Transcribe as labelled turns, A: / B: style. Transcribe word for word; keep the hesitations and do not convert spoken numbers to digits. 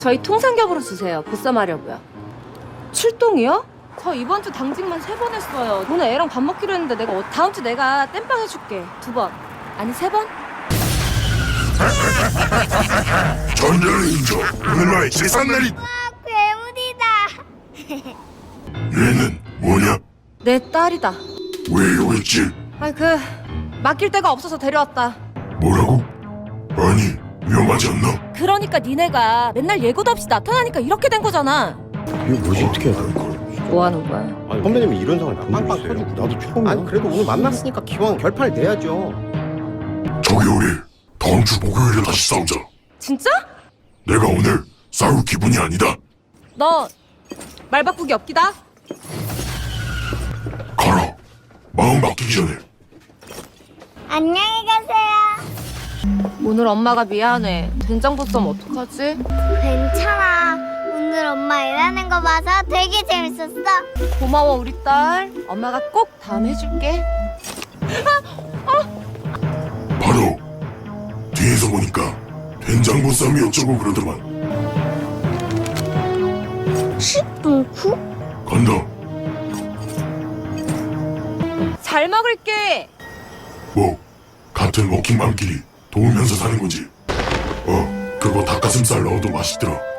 A: 저희 통삼겹으로 주세요. 보쌈하려고요. 출동이요? 저 이번 주 당직만 세 번 했어요. 오늘 애랑 밥 먹기로 했는데 내가 어- 다음 주 내가 땜빵 해줄게. 두 번. 아니 세 번?
B: 전열을 인정. 오늘 나의 제삿날이.
C: 와, 괴물이다.
B: 얘는 뭐냐?
A: 내 딸이다.
B: 왜 여기 있지?
A: 아이 그 맡길 데가 없어서 데려왔다.
B: 뭐라고? 아니 위험하지 않나?
A: 그러니까 니네가 맨날 예고도 없이 나타나니까 이렇게 된 거잖아.
D: 이거 뭐지? 어떻게 해야 돼?
A: 뭐 하는 거야?
D: 아니, 선배님이 이런 상황 빵빵 터지고 나도 처음이야. 아니 그래도 오늘 만났으니까 기왕 결판을 내야죠.
B: 저기 우리 다음 주 목요일에 다시 싸우자.
A: 진짜?
B: 내가 오늘 싸울 기분이 아니다.
A: 너 말 바꾸기 없기다?
B: 가라. 마음 바뀌기 전에.
C: 안녕히 가세요.
A: 오늘 엄마가 미안해. 된장보쌈 어떡하지?
C: 괜찮아. 오늘 엄마 일하는 거 봐서 되게 재밌었어.
A: 고마워 우리 딸. 엄마가 꼭 다음 해줄게.
B: 바로 뒤에서 보니까 된장보쌈이 어쩌고 그러더만.
C: 십 분 후?
B: 간다.
A: 잘 먹을게.
B: 뭐 같은 워킹맘끼리 도우면서 사는 거지. 어 그거 닭가슴살 넣어도 맛있더라.